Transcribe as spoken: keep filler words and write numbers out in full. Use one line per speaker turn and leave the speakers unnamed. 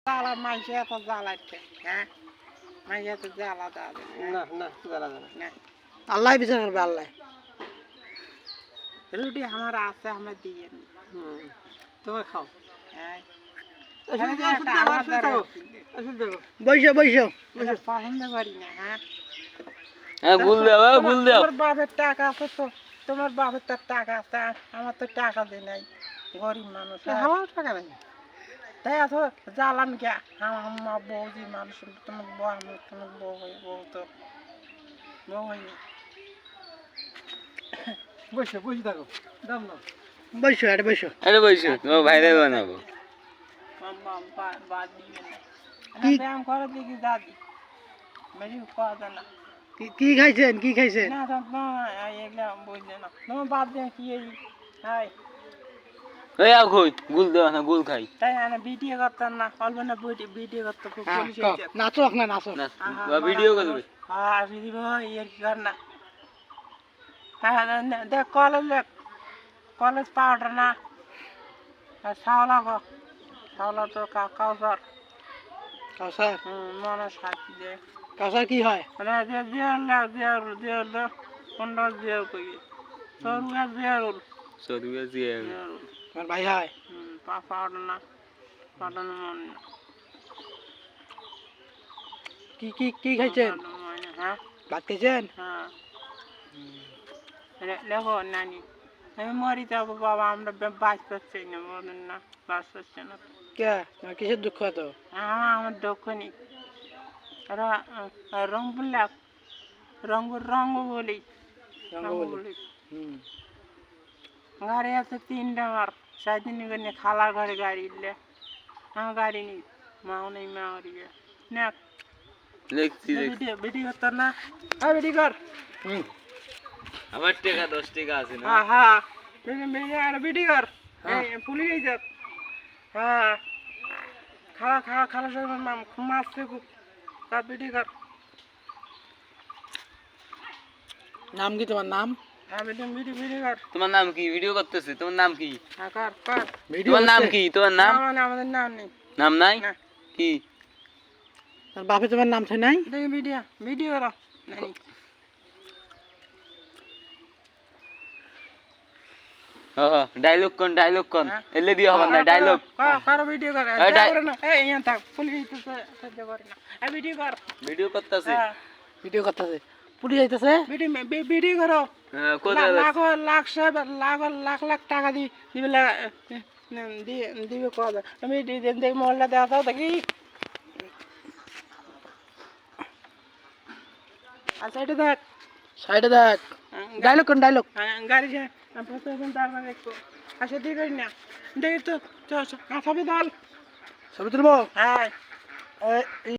জ্বালা মাইসে এত জ্বালাচ্ছে হ্যাঁ মাইসে এত জ্বালা যাবে
না না জ্বালা যাবে
না
আল্লাহ বিচার করবে আল্লাহ
রুটি আমার আছে আমরা দিয়ে
হুম তুমি খাও
হ্যাঁ
বৈশো বৈশো
পছন্দ করি না হ্যাঁ
হ্যাঁ গুল দাও গুল দাও
তোমার বাপের টাকা আছে তো তোমার বাপের তার টাকা আছে আমার তো টাকা দেয় নাই গরিব মানুষ আমার টাকা নেই তাই এত জ্বালান কে আমার বৌদি মানুষ তোমার বউ আমার তোমার বউ হয়ে বউ তো বউ হয়নি
বৈশো বসে থাকো দাম না বৈশো আরে বৈশো
আরে বইছো ও ভাইরে বানাবো
বাদ দিবে না ব্যায়াম করে দেখি দাদি মেরি কথা না
কি খাইছেন কি খাইছেন
না না এগুলা বুঝলে না তোমার বাদ দিয়ে কি এই হাই
ওই আও কই গুল দাও না গুল খাই
তাই না ভিডিও করতাম না অল্প না ভিডিও করতে খুব পুলিশ হয়েছে
নাচো না নাচো
না ভিডিও করবে
হ্যাঁ দিদি ভাই এর কি কর না হ্যাঁ দেখ কলেজ দেখ কলেজ পাউডার না আর শাওলা গো শাওলা তো কাউসার
কাউসার
হুম মনে সাথী দে
কাউসার কি হয়
মানে যে জিয়ার লাগ জিয়ার জিয়ার দে পনেরো জিয়ার কই সরুয়া জিয়ার
সদুয়া জিয়া
তোমার ভাই হয়
হুম পা পাউডার না পাউডার মন
কি কি কি খাইছেন
হ্যাঁ
ভাত খাইছেন
হ্যাঁ দেখো নানি আমি মরি যাবো বাবা আমরা বাঁচ পাচ্ছি না বলেন না বাঁচ পাচ্ছি না
কে তোমার কিসের দুঃখ তো
আমার আমার দুঃখ নেই রং বললাম রঙ রঙ বলি রঙ বলি
হুম
গাড়ি আছে তিনটা আমার সারাদিন করে খালার ঘরে গাড়ি ইলে আমার গাড়ি নেই মাও নেই মাও রিয়ে না
দেখছি
ভিডিও ভিডিও করতো না হ্যাঁ ভিডিও কর
হুম
আমার টাকা দশ টাকা আছে না
হ্যাঁ হ্যাঁ ভিডিও আর ভিডিও কর পুলিশ এই যাক হ্যাঁ খালা খালা খালা সব মারছে খুব তার ভিডিও কর
নাম কি তোমার নাম
হ্যাঁ ভিডিও ভিডিও ভিডিও কর
তোমার নাম কি ভিডিও করতেছে তোমার নাম কি
হ্যাঁ কর কর
তোমার নাম কি তোমার নাম
মানে আমাদের নাম নেই
নাম নাই
না
কি
তার বাপে তোমার নাম থাকে নাই
দেখি ভিডিও ভিডিও করো নানি
ও ডায়লগ কোন ডায়লগ কোন এলে দিও হবে না ডায়লগ
কর কর ভিডিও কর
এই ডাই-
করে না এই ইয়ান থাক পুলিশ তো সহ্য করে না এই ভিডিও কর
ভিডিও করতেছে
হ্যাঁ
ভিডিও করতেছে পুলিশ আইতাছে
ভিডিও ভিডিও করো
হ্যাঁ কত
লাখ লাখ সাহেব লাখ লাখ লাখ টাকা দি দিবে দিবে কবে আমি দেখ মহল্লা দেওয়া তাও দেখি আচ্ছা এটা দেখ
সাইডে দেখ ডায়লগ কোন ডায়লগ
গাড়ি যায় প্রথম তারপর দেখবো আচ্ছা দিয়ে করি না দেখি তো সবই দল
ছবি তুলবো
হ্যাঁ